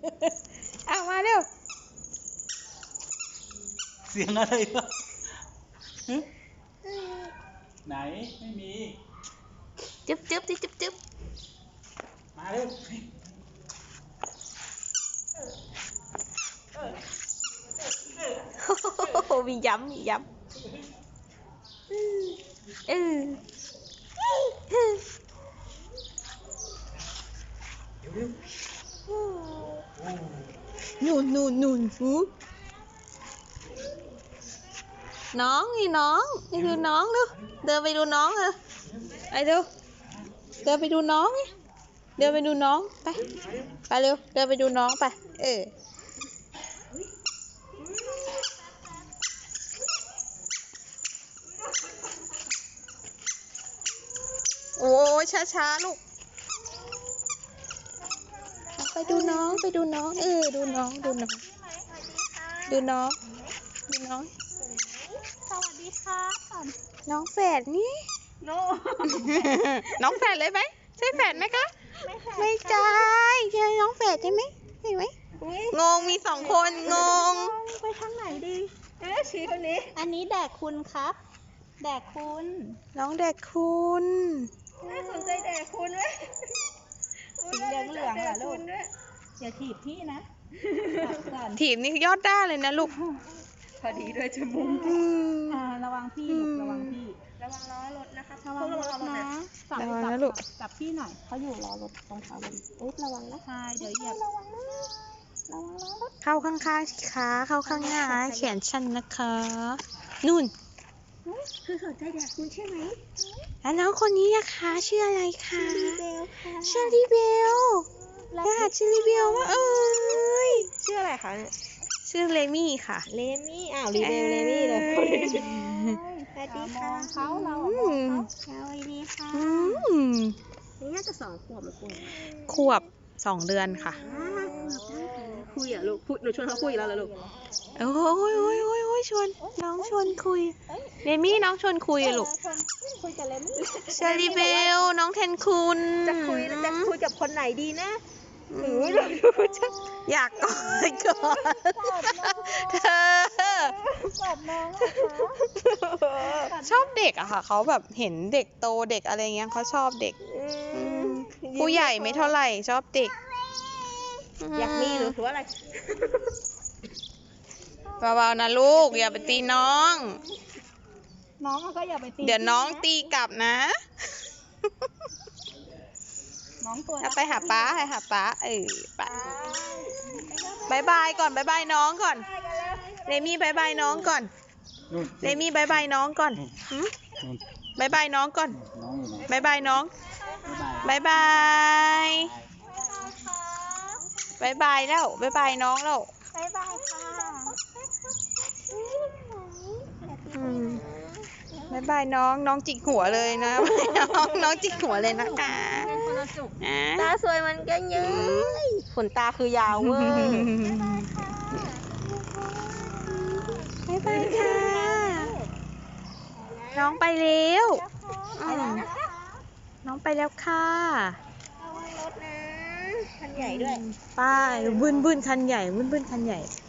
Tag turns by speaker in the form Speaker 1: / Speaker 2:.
Speaker 1: เอามาเร็ว
Speaker 2: เสียงอะไรวะไหนไม่มี
Speaker 1: จึ๊บจึ๊บจึ๊บจึ๊บ
Speaker 2: มาเร็ว
Speaker 1: โอ้มีย้ำมีย้ำนู่นหูน้องนี่น้องนี่คือน้องดูเดินไปดูน้องเลยไปเร็วเดินไปดูน้องนี่เดินไปดูน้องไปเร็วเดินไปดูน้องไปโอ้ยช้าลูกไปดูน้องดูน้องดูน้องสวัสดีค่ะน้องแฝดนี่น้องแฝดเลยไหมใช่แฝดไหมคะไม่ใช่ใช่น้องแฝดใช่ไหมใช่ไหมงงมี2 คนงงไปทางไหนดีชี้คนนี้อันนี้แดกคุณครับแดกคุณน้องแดกคุณไม่สนใจแดกคุณไหมสีเหลืองเหรอลูกอย่าถีบพี่นะถีบนี่ยอดได้เลยนะลูกพอดีด้วยจมูกระวังพี่ระวังล้อรถนะคะระวังรถนะจับพี่หน่อยเขาอยู่ล้อรถตรงเขาเลยระวังนะเดี๋ยวเหยียบระวังล้อรถเข้าข้างๆสิคะเข้าข้างหน้าแขนชันนะคะนู่นคือสนใจแดกคุณใช่ไหมแล้วน้องคนนี้นะคะชื่ออะไรคะชื่อลิเบลชื่อลิเบลว่าชื่ออะไรคะชื่อเลมี่ค่ะเลมี่ลิเบลเลมี่เลยสวัสดีค่ะเขาเราสวัสดีค่ะนี่น่าจะ2 ขวบหรือขวบ2 เดือนค่ะคุยลูกพูดหนูชวนเขาคุยแล้วลูกโอ้ยชวนน้องชวนคุยเลมี่น้องชวนคุยลูกคุยกับเลมี่เชอรี่เบลน้องเทนคุณจะคุยกับคนไหนดีนะอยากกอดก่อนเธอชอบเด็กอะค่ะเขาแบบเห็นเด็กโตเด็กอะไรเงี้ยเขาชอบเด็กผู้ใหญ่ไม่เท่าไหร่ชอบเด็กอยากมีหรือว่าอะไรเบาๆนะลูกอย่าไปตีน้องก็อย่าไปตีเดี๋ยวน้องตีกลับนะไปหาป้าไปบายก่อนบายน้องก่อนเลมี่บายน้องก่อนเลมี่บายน้องก่อนบายน้องก่อนบายน้องบายแล้วบายน้องแล้วบายค่ะบายน้องจิกหัวเลยนะน้องจิกหัวเลยนะคะตาสวยมันก็เยอะขนตาคือยาวเว้ยบายค่ะน้องไปแล้วน้องไปแล้วค่ะระวังรถนะคันใหญ่ด้วยป้าบึ้นคันใหญ่บึ้นคันใหญ่